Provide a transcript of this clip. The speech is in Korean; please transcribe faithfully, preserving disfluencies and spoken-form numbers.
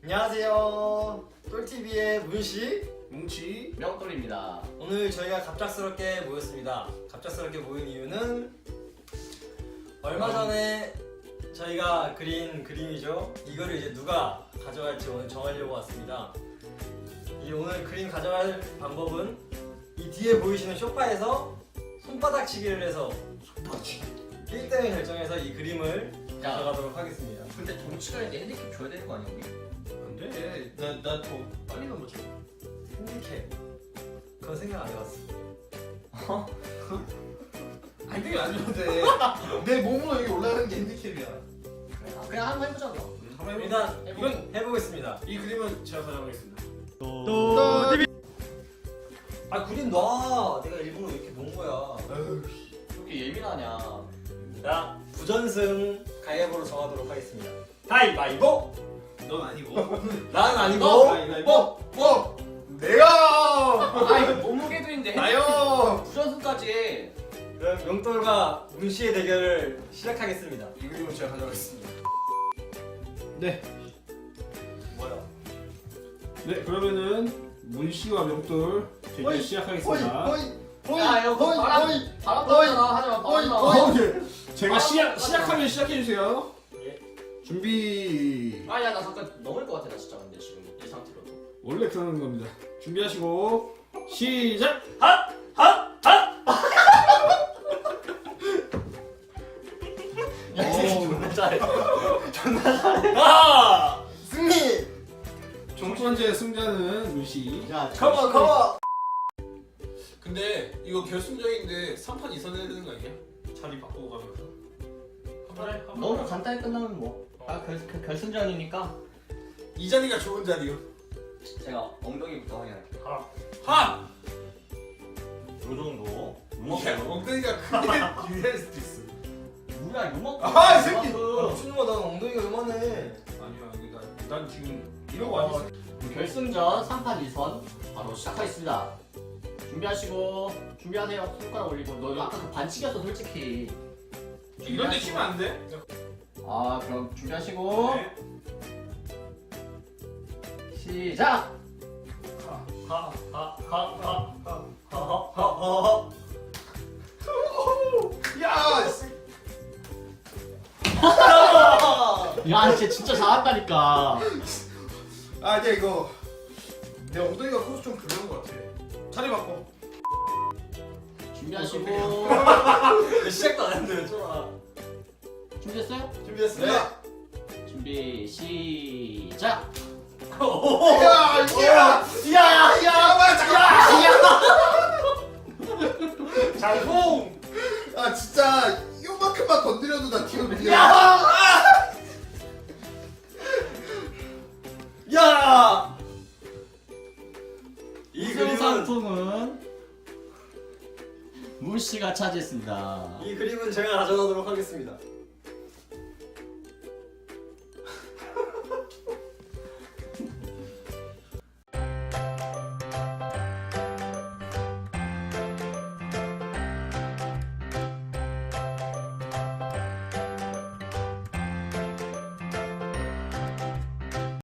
안녕하세요. 똘티비의 문씨, 뭉치, 명돌입니다. 오늘 저희가 갑작스럽게 모였습니다. 갑작스럽게 모인 이유는 얼마 전에 저희가 그린 그림이죠. 이거를 이제 누가 가져갈지 오늘 정하려고 왔습니다. 이 오늘 그림 가져갈 방법은 이 뒤에 보이시는 소파에서 손바닥치기를 해서 일 등을 결정해서 이 그림을 야. 가져가도록 하겠습니다. 근데 정치가 있는데 핸디캡 줘야 되는 거 아니야 우리? 안돼. 나나 더 빨리 넘어져. 핸디캡 그건 생각 안 해봤어. 안경이 안 줘도 돼. 내 몸으로 여기 올라가는 게 핸디캡이야. 그래, 아, 그냥 한번 해보자 뭐. 음, 한번 해보. 일단 해보고. 이건 해보겠습니다. 이 그림은 제가 가져가겠습니다. 아 그림 놔. 내가 일부러 이렇게 놓은 거야. 아유, 그렇게 예민하냐? 자 부전승 가위바위보로 정하도록 하겠습니다. 가위바위보. 넌 아니고. 난 아니고. 가위바위보. 뭐? 내가. 아 이거 몸무게도 있는데 나요. 부전승까지. 그럼 용돌과 문씨의 대결을 시작하겠습니다. 이 그림은 제가 가져가겠습니다. 네. 뭐야? 네 그러면은 문씨와 명돌 대결 시작하겠습니다. 야 이거 그 바람 바람 나잖아. 하지마 바람 나. 어, 예. 제가 아, 시작 맞아. 시작하면 시작해 주세요. 예. 준비. 아야 나 잠깐 넘을 것 같아 나 진짜 근데 지금 이 상태로도. 원래 그러는 겁니다. 준비하시고 시작. 핫! 핫! 핫! 야, 이 새끼 어. 존나 잘해. 존나 잘해. 아! 승리! 첫 번째 승자는 문씨. 야, 컴온 컴온! 근데 이거 결승전인데 삼 판 이선 해야 되는 거 아니야? 자리 바꾸고 가면서 한 판에 한 너무 판에 간단히 끝나면 뭐. 아 결, 결, 결승전이니까 이 자리가 좋은 자리요. 제가 엉덩이부터 확인할게요. 하! 요 정도. 야, 엉덩이가 크게 유리할 수도 있어. 뭐야 요만큼. 아, 이 새끼! 미친놈아 난 엉덩이가 요만해. 아니야, 여기 난, 난 지금 이러고 앉았어. 결승전 삼 판 이 선 바로 시작하겠습니다. 준비하시고 준비하세요. 손가락 올리고. 너 아까 그 반칙이었어 솔직히. 이런 데 치면 안 돼? 아 그럼 준비하시고 네. 시작. 하하하하하하하하. 야, 씨. 야 진짜 진짜 잘한다니까. 아, 이제 이거 내 엉덩이가 커서 좀 그런 것 같아. 자리 바꿔. 준비하시고 시작도 안 했는데 쫄아. 준비됐어요? 준비됐습니다. 준비 시작. 야, 이게 야! 야! 장풍! 아 진짜 요만큼만 건드려도 나 뒤로 밀려. 야! 이 우승 그림은 상품은 무씨가 차지했습니다. 이 그림은 제가 가져가도록 하겠습니다.